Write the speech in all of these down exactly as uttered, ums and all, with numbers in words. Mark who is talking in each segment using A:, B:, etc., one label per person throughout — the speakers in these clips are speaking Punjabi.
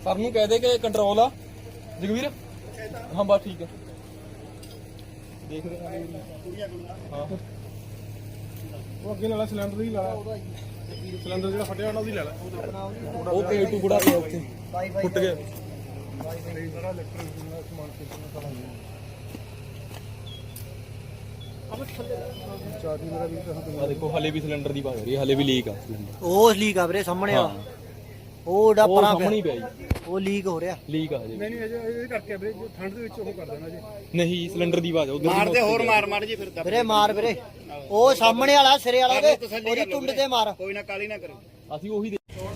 A: सर नूं कह दे कि कंट्रोल आ जगवीर। हाँ बस ठीक है देख रहे हाँ वो अगे ला सिलेंडर ही ला सिलेंडर जो फटिया ਉਹਦੀ ਲੈ ਲੈ ਉਹ ਤੇ ਟੁਕੜਾ ਪਿਆ ਉੱਥੇ ਫੁੱਟ ਗਿਆ देखो हले भी सिलेंडर की बात हो रही है हले भी लीक आ
B: वो लीक आ ਵੀਰੇ ਸਾਹਮਣੇ ਆ ਉਹ ਡਾ ਪਰਾਂ
A: ਸਾਹਮਣੇ ਪਿਆ ਜੀ
B: ਉਹ ਲੀਕ ਹੋ ਰਿਹਾ
A: ਲੀਕ ਆ ਜੀ
C: ਨਹੀਂ ਨਹੀਂ ਇਹ ਕਰਕੇ ਵੀਰੇ ਜੋ ਠੰਡ ਦੇ ਵਿੱਚ ਉਹ ਕਰ ਦੇਣਾ ਜੀ
A: ਨਹੀਂ ਸਿਲੰਡਰ ਦੀ ਆਵਾਜ਼ ਉਧਰ
D: ਮਾਰਦੇ ਹੋਰ ਮਾਰ ਮਾਰ ਜੀ ਫਿਰ
B: ਵੀਰੇ ਮਾਰ ਵੀਰੇ ਉਹ ਸਾਹਮਣੇ ਵਾਲਾ ਸਿਰੇ ਵਾਲਾ ਦੇ ਉਹਦੀ ਟੁੰਡ ਤੇ ਮਾਰ
D: ਕੋਈ ਨਾ ਕਾਲੀ ਨਾ ਕਰੋ
A: ਅਸੀਂ ਉਹੀ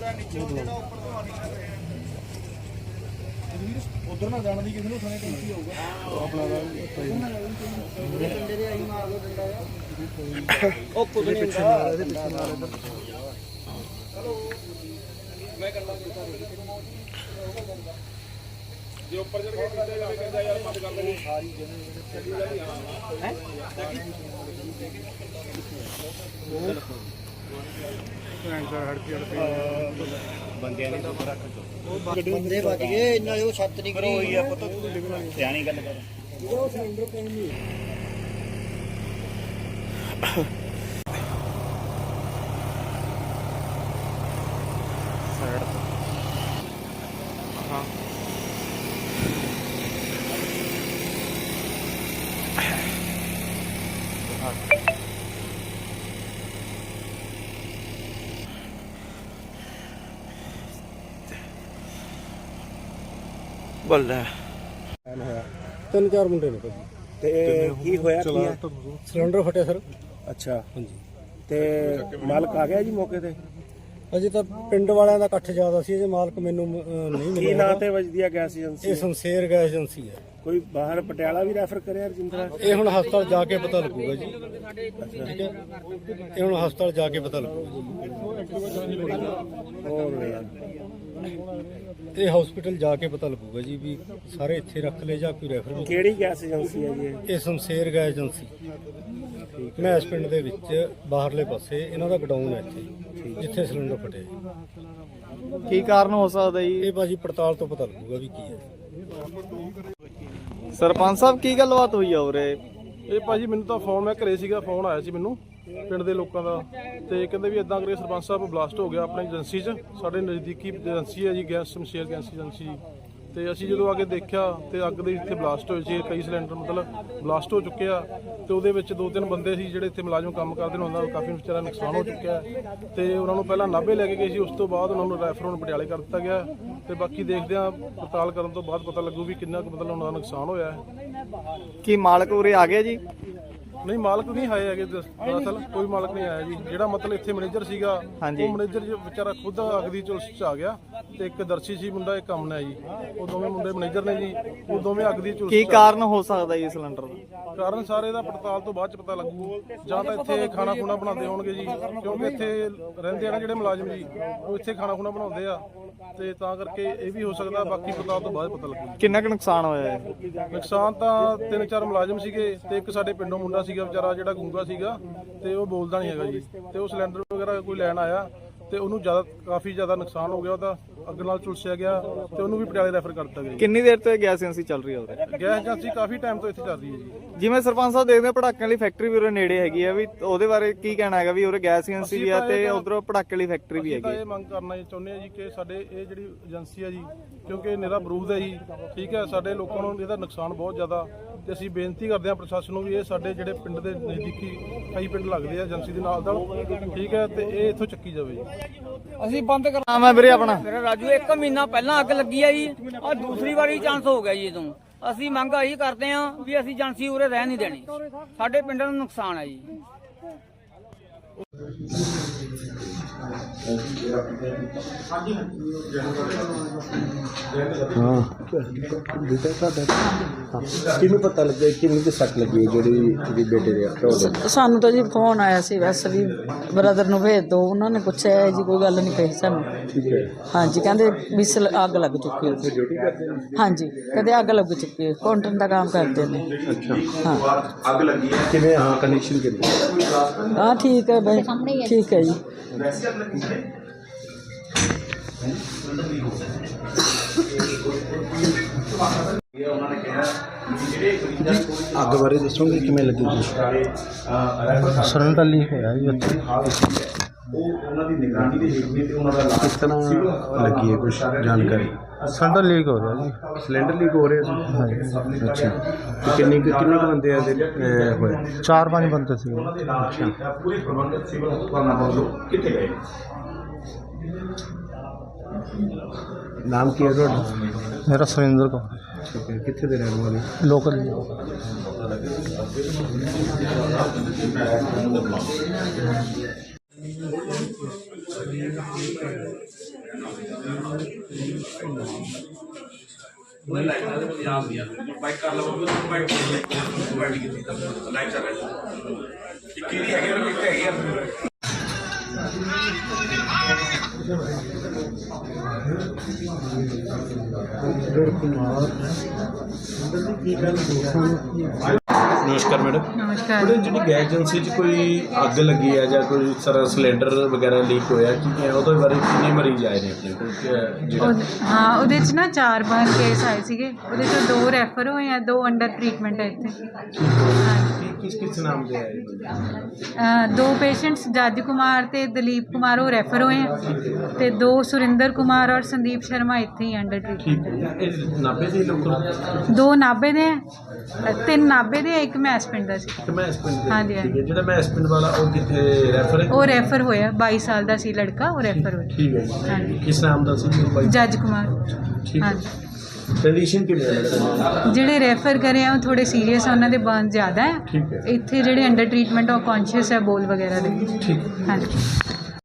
A: ਉਧਰ ਨਾ ਜਾਣ ਦੀ ਕਿਸੇ ਨੂੰ ਸੁਣੇ ਕੀ ਹੋਊਗਾ ਆਪਣਾ
B: ਡੰਡੇ ਦੇ ਆਈ ਮਾਰ ਦੋ ਡੰਡਾ
A: ਉਹ ਕੁਝ ਨਹੀਂ ਹੁੰਦਾ ਇਹਦੇ ਪਿੱਛੇ ਮਾਰ ਇਧਰ ਚਲੋ ਮੈਂ ਕਰ ਲਾਂਗਾ ਜੇ ਉੱਪਰ ਚੜ ਕੇ ਕਿੱਥੇ ਜਾ ਕੇ ਕਹਿੰਦਾ ਯਾਰ ਮਤ ਕਰ ਲਓ ਸਾਰੀ ਜਗ੍ਹਾ ਹੈ
D: ਬੰਦਿਆਂ ਨੇ ਤਾਂ ਰੱਖ ਦੋ
B: ਬੰਦੇ ਵੱਜ ਗਏ ਨਾਲੇ ਉਹ ਛੱਤ ਨਹੀਂ
D: ਪਰ ਹੋਈ ਆ ਪੁੱਤ ਸਿਆਣੀ ਗੱਲ ਕਰ
B: ਉਹ ਸਿਲੰਡਰ ਪੈਣ ਨਹੀਂ
A: ਹਾਂ ਬੱਲੇ
C: ਤਿੰਨ ਚਾਰ ਮੁੰਡੇ ਨੇ ਭਾਜੀ
D: ਤੇ ਕੀ ਹੋਇਆ ਕੀ ਹੈ
C: ਸਿਲੰਡਰ ਫਟਿਆ ਸਰ
D: ਅੱਛਾ ਹਾਂਜੀ ਤੇ ਮਾਲਕ ਆ ਗਿਆ ਜੀ ਮੌਕੇ ਤੇ
C: ਅਜੇ ਤਾਂ ਪਿੰਡ ਵਾਲਿਆਂ ਦਾ ਇਕੱਠ ਜ਼ਿਆਦਾ ਸੀ ਜੇ ਮਾਲਕ ਮੈਨੂੰ ਅਹ, ਨਹੀਂ
D: ਕੀ
C: ਮਿਲਿਆ
D: ਨਾਂ ਤੇ ਵੱਜਦੀ ਆ ਗੈਸ ਏਜੰਸੀ
C: ਇਹ ਸੰਸੇਰ ਗੈਸ ਏਜੰਸੀ ਹੈ
D: ਕੋਈ ਬਾਹਰ ਪਟਿਆਲਾ ਵੀ ਰੈਫਰ ਕਰਿਆ ਰਜਿੰਦਰਾ
C: ਇਹ ਹੁਣ ਹਸਪਤਾਲ ਜਾ ਕੇ ਪਤਾ ਲੱਗੂਗਾ ਜੀ ਠੀਕ ਹੈ ਇਹ ਹੁਣ ਹਸਪਤਾਲ ਜਾ ਕੇ ਪਤਾ ਲੱਗੂਗਾ
D: ਹੋਰ
C: ਇਹ ਹਸਪੀਟਲ ਜਾ ਕੇ ਪਤਾ ਲੱਗੂਗਾ ਜੀ ਵੀ ਸਾਰੇ ਇੱਥੇ ਰੱਖ ਲਏ ਜਾਂ ਕੋਈ ਰੈਫਰ ਵੀ
D: ਕਿਹੜੀ ਗੈਸ ਏਜੰਸੀ ਹੈ ਜੀ ਇਹ?
C: ਇਹ ਸ਼ਮਸ਼ੇਰ ਗੈਸ ਏਜੰਸੀ ਮੈਂ ਇਸ ਪਿੰਡ ਦੇ ਵਿੱਚ ਬਾਹਰਲੇ ਪਾਸੇ ਇਹਨਾਂ ਦਾ ਗਡਾਊਨ ਹੈ ਇੱਥੇ ਜਿੱਥੇ ਸਿਲੰਡਰ ਫਟਿਆ ਜੀ।
A: ਕੀ ਕਾਰਨ ਹੋ ਸਕਦਾ ਜੀ
C: ਇਹ ਬਾਜੀ ਪੜਤਾਲ ਤੋਂ ਪਤਾ ਲੱਗੂਗਾ ਵੀ ਕੀ ਹੈ।
A: ਸਰਪੰਚ ਸਾਹਿਬ ਕੀ ਗੱਲਬਾਤ ਹੋਈ ਆ ਉਰੇ
E: ਇਹ ਭਾਜੀ ਮੈਨੂੰ ਤਾਂ ਫੋਨ ਮੈਂ ਘਰੇ ਸੀਗਾ ਫੋਨ ਆਇਆ ਸੀ ਮੈਨੂੰ ਪਿੰਡ ਦੇ ਲੋਕਾਂ ਦਾ ਤੇ ਕਹਿੰਦੇ ਵੀ ਇਦਾਂ ਕਰੇ ਸਰਪੰਚ ਸਾਹਿਬ ਬਲਾਸਟ ਹੋ ਗਿਆ ਆਪਣੀ ਏਜੰਸੀ 'ਚ ਸਾਡੇ ਨਜ਼ਦੀਕੀ ਏਜੰਸੀ ਹੈ ਜੀ ਗੈਸ ਸ਼ਮਸ਼ੇਰ ਗੈਸ ਏਜੰਸੀ ਤੇ ਅਸੀਂ ਜਦੋਂ ਆ ਕੇ ਦੇਖਿਆ ਤੇ ਅੱਗ ਦੇ ਇੱਥੇ ਬਲਾਸਟ ਹੋਏ ਸੀ ਕਈ ਸਿਲੰਡਰ ਮਤਲਬ ਬਲਾਸਟ ਹੋ ਚੁੱਕੇ ਆ ਤੇ ਉਹਦੇ ਵਿੱਚ ਦੋ ਤਿੰਨ ਬੰਦੇ ਸੀ ਜਿਹੜੇ ਇੱਥੇ ਮੁਲਾਜ਼ਮ ਕੰਮ ਕਰਦੇ ਨੇ ਉਹਨਾਂ ਦਾ ਕਾਫੀ ਵਿਚਾਰਾ ਨੁਕਸਾਨ ਹੋ ਚੁੱਕਿਆ ਤੇ ਉਹਨਾਂ ਨੂੰ ਪਹਿਲਾਂ ਨਾਭੇ ਲੈ ਕੇ ਗਏ ਸੀ ਉਸ ਤੋਂ ਬਾਅਦ ਉਹਨਾਂ ਨੂੰ ਰੈਫਰ ਹੁਣ ਪਟਿਆਲੇ ਕਰ ਦਿੱਤਾ ਗਿਆ ਤੇ ਬਾਕੀ ਦੇਖਦੇ ਆ ਪੜਤਾਲ ਕਰਨ ਤੋਂ ਬਾਅਦ ਪਤਾ ਲੱਗੂ ਵੀ ਕਿੰਨਾ ਕੁ ਮਤਲਬ ਉਹਨਾਂ ਦਾ ਨੁਕਸਾਨ ਹੋਇਆ ਹੈ।
A: ਕੀ ਮਾਲਕ ਉਰੇ ਆ ਗਿਆ ਜੀ
E: ਨਹੀਂ ਮਾਲਕ ਨਹੀਂ ਆਏ ਹੈਗੇ ਦਰਅਸਲ ਕੋਈ ਮਾਲਕ ਨਹੀਂ ਆਇਆ ਜੀ ਜਿਹੜਾ ਮਤਲਬ ਇੱਥੇ ਮੈਨੇਜਰ ਸੀਗਾ ਉਹ ਮੈਨੇਜਰ ਜੀ ਵਿਚਾਰਾ ਖੁਦ ਅੱਗ ਦੀ ਝੁਲਸ 'ਚ ਆ ਗਿਆ ਤੇ ਇੱਕ ਦਰਸ਼ੀ ਸੀ ਮੁੰਡਾ ਇੱਕ ਅਮਨ ਹੈ ਜੀ ਉਹ ਦੋਵੇਂ ਮੁੰਡੇ ਮੈਨੇਜਰ ਨੇ ਜੀ ਉਹ ਦੋਵੇਂ ਅੱਗ ਦੀ ਝੁਲਸ 'ਚ
A: ਕੀ ਕਾਰਨ ਹੋ ਸਕਦਾ ਜੀ ਸਿਲੰਡਰ ਦਾ
E: ਕਾਰਨ ਸਾਰੇ ਦਾ ਪੜਤਾਲ ਤੋਂ ਬਾਅਦ ਚ ਪਤਾ ਲੱਗੂ ਜਾਂ ਤਾਂ ਇੱਥੇ ਖਾਣਾ ਖੁਣਾ ਬਣਾਉਂਦੇ ਹੋਣਗੇ ਜੀ ਕਿਉਂਕਿ ਇੱਥੇ ਰਹਿੰਦੇ ਆ ਨਾ ਜਿਹੜੇ ਮੁਲਾਜ਼ਮ ਜੀ ਉਹ ਇੱਥੇ ਖਾਣਾ ਖੁਣਾ ਬਣਾਉਂਦੇ ਆ ਤੇ ਤਾਂ ਕਰਕੇ ਇਹ ਵੀ ਹੋ ਸਕਦਾ ਬਾਕੀ ਪੜਤਾਲ ਤੋਂ ਬਾਅਦ ਪਤਾ ਲੱਗੂ।
A: ਕਿੰਨਾ ਕੁ ਨੁਕਸਾਨ ਹੋਇਆ ਹੈ
E: ਨੁਕਸਾਨ ਤਾਂ ਤਿੰਨ ਚਾਰ ਮੁਲਾਜ਼ਮ ਸੀਗੇ ਤੇ ਇੱਕ ਸਾਡੇ ਪਿੰਡੋਂ ਮੁੰਡਾ ਸੀਗਾ ਵਿਚਾਰਾ ਜਿਹੜਾ ਗੂੰਗਾ ਸੀਗਾ ਤੇ ਉਹ ਬੋਲਦਾ ਨਹੀਂ ਹੈਗਾ ਜੀ ਤੇ ਉਹ ਸਿਲੰਡਰ ਵਗੈਰਾ ਕੋਈ ਲੈਣ ਆਇਆ ਤੇ ਉਹਨੂੰ ਜ਼ਿਆਦਾ ਕਾਫੀ ਜ਼ਿਆਦਾ ਨੁਕਸਾਨ ਹੋ ਗਿਆ ਉਹਦਾ ਅੱਗ ਨਾਲ ਝੁਲਸਿਆ ਗਿਆ ਤੇ ਉਹਨੂੰ ਵੀ ਪਟਿਆਲੇ ਰੈਫਰ ਕਰ ਦਿੱਤਾ ਗਿਆ।
A: ਕਿੰਨੀ ਦੇਰ ਤੋਂ ਇਹ ਗੈਸ ਏਜੰਸੀ ਚੱਲ ਰਹੀ ਹੈ ਉਰੇ
E: ਗੈਸ ਏਜੰਸੀ ਕਾਫੀ ਟਾਈਮ ਤੋਂ ਇੱਥੇ ਚੱਲ ਰਹੀ ਹੈ ਜੀ।
A: ਜਿਵੇਂ ਸਰਪੰਚ ਸਾਹਿਬ ਦੇਖਦੇ ਆ ਪਟਾਕਿਆਂ ਵਾਲੀ ਫੈਕਟਰੀ ਵੀ ਉਰੇ ਨੇੜੇ ਹੈਗੀ ਆ ਵੀ ਉਹਦੇ ਬਾਰੇ ਕੀ ਕਹਿਣਾ ਹੈਗਾ ਵੀ ਉਰੇ ਗੈਸ ਏਜੰਸੀ ਵੀ ਆ ਤੇ ਉਧਰੋਂ ਪਟਾਕੇ ਵਾਲੀ ਫੈਕਟਰੀ ਵੀ
E: ਤਾਂ
A: ਹੈਗੀ
E: ਇਹ ਮੰਗ ਕਰਨਾ ਚਾਹੁੰਦੇ ਆ ਜੀ ਕਿ ਸਾਡੇ ਇਹ ਜਿਹੜੀ ਏਜੰਸੀ ਆ ਜੀ ਕਿਉਂਕਿ ਨਿਰਾ ਬਰੂਦ ਹੈ ਜੀ ਠੀਕ ਹੈ ਸਾਡੇ ਲੋਕਾਂ ਨੂੰ ਇਹਦਾ ਨੁਕਸਾਨ ਬਹੁਤ ਜ਼ਿਆਦਾ ਤੇ ਅਸੀਂ ਬੇਨਤੀ ਕਰਦੇ ਹਾਂ ਪ੍ਰਸ਼ਾਸਨ ਨੂੰ ਵੀ ਇਹ ਸਾਡੇ ਜਿਹੜੇ ਪਿੰਡ ਦੇ ਨਜ਼ਦੀਕੀ ਕਈ ਪਿੰਡ ਲੱਗਦੇ ਆ ਏਜੰਸੀ ਦੇ ਨਾਲ ਦਾ ਠੀਕ ਹੈ ਤੇ ਇਹ ਇੱਥੋਂ ਚੱਕੀ ਜਾਵੇ ਜੀ।
A: ਅਸੀਂ ਬੰਦ ਕਰਾਂ ਮੈਂ ਵੀਰੇ ਆਪਣਾ
F: ਮੇਰਾ ਰਾਜੂ ਇੱਕ ਮਹੀਨਾ ਪਹਿਲਾਂ ਅੱਗ ਲੱਗੀ ਆ ਜੀ ਆ ਦੂਸਰੀ ਵਾਰੀ ਚਾਂਸ ਹੋ ਗਿਆ ਜੀ ਜਦੋਂ ਅਸੀਂ ਮੰਗ ਇਹੀ ਕਰਦੇ ਆ ਵੀ ਅਸੀਂ ਏਜੰਸੀ ਉਰੇ ਰਹਿ ਨਹੀਂ ਦੇਣੀ ਸਾਡੇ ਪਿੰਡ ਨੂੰ ਨੁਕਸਾਨ ਹੈ ਜੀ।
D: ਹਾਂ ਬੇਟਾ ਤੁਹਾਡਾ ਕਿਹਨੂੰ ਪਤਾ ਲੱਗਿਆ ਕਿੰਨੀ ਕੁ ਸੱਟ ਲੱਗੀ ਜਿਹੜੀ ਇਹਦੇ ਬੇਟੇ ਦੇ ਹੱਥ?
G: ਸਾਨੂੰ ਤਾਂ ਜੀ ਫੋਨ ਆਇਆ ਸੀ ਵੈਸੇ ਵੀ ਬ੍ਰਦਰ ਨੂੰ ਭੇਜ ਦਿਓ ਉਹਨਾਂ ਨੇ ਪੁੱਛਿਆ ਜੀ ਕੋਈ ਗੱਲ ਨਹੀਂ ਕਹੀ ਸਾਨੂੰ।
D: ਠੀਕ ਹੈ
G: ਹਾਂਜੀ ਕਹਿੰਦੇ ਵੀ ਸਿਲ- ਅੱਗ ਲੱਗ ਚੁੱਕੀ ਹੈ।
D: ਡਿਊਟੀ ਕਰਦੇ ਨੇ?
G: ਹਾਂਜੀ ਕਹਿੰਦੇ ਅੱਗ ਲੱਗ ਚੁੱਕੀ ਹੈ ਕਾਊਂਟਰ ਦਾ ਕੰਮ ਕਰਦੇ ਨੇ।
D: ਅੱਛਾ
G: ਹਾਂ
D: ਅੱਗ ਲੱਗੀ ਹੈ ਕਿਵੇਂ ਹਾਂ ਕਨੈਕਸ਼ਨ ਕਿੱਥੇ?
G: ਹਾਂ ਠੀਕ ਹੈ ਬਈ ਠੀਕ ਹੈ ਜੀ।
D: ਅੱਗ ਬਾਰੇ ਦੱਸੋਗੇ ਕਿਵੇਂ ਲੱਗੀ ਜੀ?
C: ਸਿਲੰਡਰ ਲੀਕ ਹੋਇਆ ਜੀ ਉੱਥੇ।
D: ਕਿਸ ਤਰ੍ਹਾਂ ਲੱਗੀ ਹੈ ਕੁਝ ਜਾਣਕਾਰੀ?
C: ਸਿਲੰਡਰ ਲੀਕ ਹੋ ਰਿਹਾ ਜੀ।
D: ਸਿਲੰਡਰ ਲੀਕ ਹੋ ਰਿਹਾ ਸੀ? ਅੱਛਾ, ਤੇ ਕਿੰਨੇ ਕੁ- ਕਿੰਨੇ ਕੁ ਬੰਦੇ ਆ ਇਹਦੇ ਅਹ, ਹੋਏ?
C: ਚਾਰ ਪੰਜ ਬੰਦੇ ਸੀ।
D: ਨਾਮ ਕੀ ਹੈ ਤੁਹਾਡਾ?
C: ਮੇਰਾ ਸੁਰਿੰਦਰ ਕੌਰ,
D: ਠੀਕ ਹੈ, ਕਿੱਥੇ ਦੇ ਰਹਿਣ ਵਾਲੇ?
C: ਲੋਕਲ।
D: ਨਮਸਕਾਰ ਮੈਡਮ।
G: ਨਮਸਕਾਰ।
D: ਮੈਡਮ, ਜਿਹੜੀ ਗੈਸ ਏਜੰਸੀ 'ਚ ਕੋਈ ਅੱਗ ਲੱਗੀ ਹੈ ਜਾਂ ਕੋਈ ਇਸ ਤਰ੍ਹਾਂ ਸਿਲੰਡਰ ਵਗੈਰਾ ਲੀਕ ਹੋਇਆ, ਕੀ ਹੈ ਉਹਦੇ ਬਾਰੇ ਕਿੰਨੇ ਮਰੀਜ਼ ਆਏ ਨੇ ਆਪਣੇ ਕੋਲ? ਕਿ ਜਿਹੜਾ
H: ਉਹ- ਹਾਂ ਉਹਦੇ 'ਚ ਨਾ ਚਾਰ ਪੰਜ ਕੇਸ ਆਏ ਸੀਗੇ, ਉਹਦੇ 'ਚੋਂ ਦੋ ਰੈਫਰ ਹੋਏ ਆ, ਦੋ ਅੰਡਰ ਟਰੀਟਮੈਂਟ ਹੈ ਇੱਥੇ। ਹਾਂਜੀ।
D: ਕਿਸ ਕਿਸ ਨਾਮ ਦੇ ਆਏ?
H: ਅਹ ਦੋ ਪੇਸ਼ੈਂਟਸ ਜੱਜ ਕੁਮਾਰ ਤੇ ਦਲੀਪ ਕੁਮਾਰ ਉਹ ਰੈਫਰ ਹੋਏ ਆ, ਤੇ ਦੋ ਸੁਰਿੰਦਰ ਕੁਮਾਰ ਔਰ ਸੰਦੀਪ ਸ਼ਰਮਾ ਇੱਥੇ ਹੀ ਅੰਡਰ ਟਰੀਟਮੈਂਟ।
D: ਠੀਕ ਹੈ, ਇਹ ਨਾਭੇ ਦੇ ਲੋਕ?
H: ਦੋ ਨਾਭੇ ਦੇ ਆ, ਅਹ ਤਿੰਨ ਨਾਭੇ ਦੇ ਆ, ਇੱਕ ਮੈਸ ਪਿੰਡ ਦਾ ਸੀ।
D: ਤੇ ਮੈਂ ਇਸ ਪਿੰਡ ਦੇ?
H: ਹਾਂਜੀ,
D: ਠੀਕ ਹੈ, ਜਿਹੜਾ ਮੈਂ ਇਸ ਪਿੰਡ ਵਾਲਾ ਉਹ ਕਿੱਥੇ ਰੈਫਰ ਹੈ?
H: ਉਹ ਰੈਫਰ ਹੋਇਆ, ਬਾਈ ਸਾਲ ਦਾ ਸੀ ਲੜਕਾ, ਉਹ ਰੈਫਰ ਹੋਇਆ।
D: ਠੀਕ ਹੈ ਜੀ।
H: ਹਾਂਜੀ।
D: ਕਿਸ ਨਾਮ ਦਾ ਸੀ ਬਾਈ?
H: ਜੱਜ ਕੁਮਾਰ।
D: ਠੀਕ ਹੈ।
H: ਹਾਂਜੀ।
D: ਕੰਡੀਸ਼ਨ ਕਿਵੇਂ ਹੈ ਮੈਡਮ?
H: ਜਿਹੜੇ ਰੈਫਰ ਕਰੇ ਆ ਉਹ ਥੋੜੇ ਸੀਰੀਅਸ ਆ, ਉਹਨਾਂ ਦੇ ਬਰਨ ਜ਼ਿਆਦਾ ਹੈ।
D: ਠੀਕ ਹੈ।
H: ਇੱਥੇ ਜਿਹੜੇ ਅੰਡਰ ਟਰੀਟਮੈਂਟ ਉਹ ਕੌਨਸ਼ੀਅਸ ਹੈ, ਬੋਲ ਵਗੈਰਾ ਦੇ।
D: ਠੀਕ।
H: ਹਾਂਜੀ।